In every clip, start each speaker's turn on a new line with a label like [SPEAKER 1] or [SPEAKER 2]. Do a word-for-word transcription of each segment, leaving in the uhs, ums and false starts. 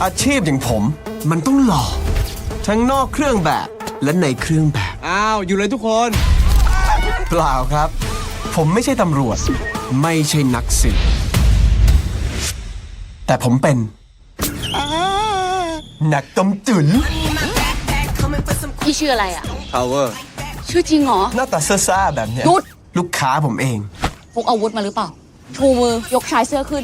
[SPEAKER 1] อาชีพอย่างผมมันต้องหล่อทั้งนอกเครื่องแบบและในเครื่องแบบ
[SPEAKER 2] อ้าวอยู่เลยทุกคน
[SPEAKER 1] เปล่าครับ ผมไม่ใช่ตำรวจไม่ใช่นักสืบแต่ผมเป็นนักต้มตุ๋น
[SPEAKER 3] พี่ชื่ออะไรอ่ะ
[SPEAKER 2] power
[SPEAKER 3] ชื่อจริงเหรอ
[SPEAKER 1] หน้าตาซ่าๆแบบเนี้ย
[SPEAKER 3] หยุด
[SPEAKER 1] ลูกค้าผมเอง
[SPEAKER 3] พกอาวุธมาหรือเปล่า ชูมือยกชายเสื้อขึ้น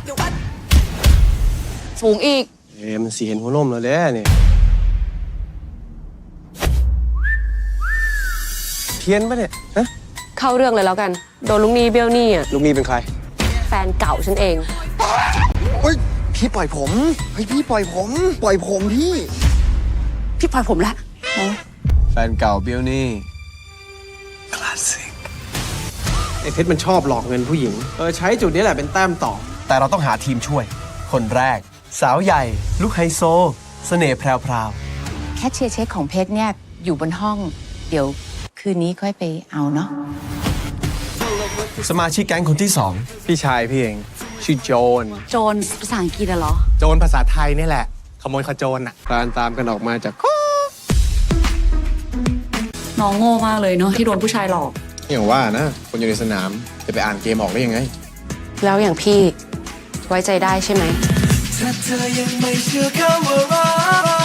[SPEAKER 3] สูงอีก
[SPEAKER 2] เอ้มันสีเห็นหัวนมแล้วแหละเนี่ยเทียนปะเนี่ยฮะ
[SPEAKER 4] เข้าเรื่องเลยแล้วกัน โดนลุงนี้เบี้ยวหนี้อ่ะ
[SPEAKER 2] ลูกนี้เป็นใคร
[SPEAKER 4] แฟนเก่าฉันเอง
[SPEAKER 5] เฮ้ยพี่ปล่อยผมเฮ้ยพี่ปล่อยผมปล่อยผมพี่
[SPEAKER 3] พี่ปล่อยผมละ
[SPEAKER 1] แฟนเก่าเบี้ยวนี่
[SPEAKER 2] ไอ้เพชรมันชอบหลอกเงินผู้หญิง เออใช้จุดนี้แหละเป็นแต้มต่อ
[SPEAKER 1] แต่เราต้องหาทีมช่วย คนแรก สาวใหญ่ ลูกไฮโซ เสน่ห์แพรว
[SPEAKER 6] แคชเชียร์เช็คของเพชรเนี่ยอยู่บนห้อง เดี๋ยวคืนนี้ค่อยไปเอาเนาะ
[SPEAKER 1] ๆสมาชิกแก๊งคนที่สอง
[SPEAKER 2] พี่ชายพี่เอง ชื่อโจน
[SPEAKER 3] โจรภาษาอังกฤษอะเหรอ
[SPEAKER 7] โจรภาษาไทยนี่แหละ ขโมยขโจรอ่ะ
[SPEAKER 2] คลานตามกันออกมาจาก
[SPEAKER 3] น้องโง่มากเลยเนาะที่โดนผู้ชายหลอก
[SPEAKER 7] อย่างว่านะ คนอยู่ในสนามจะไปอ่านเกมออกได้ยังไง
[SPEAKER 4] แล้วอย่างพี่ไว้ใจได้ใช่ไหม
[SPEAKER 1] ถ้าเธอยังไม่เชื่อคำว่ารัก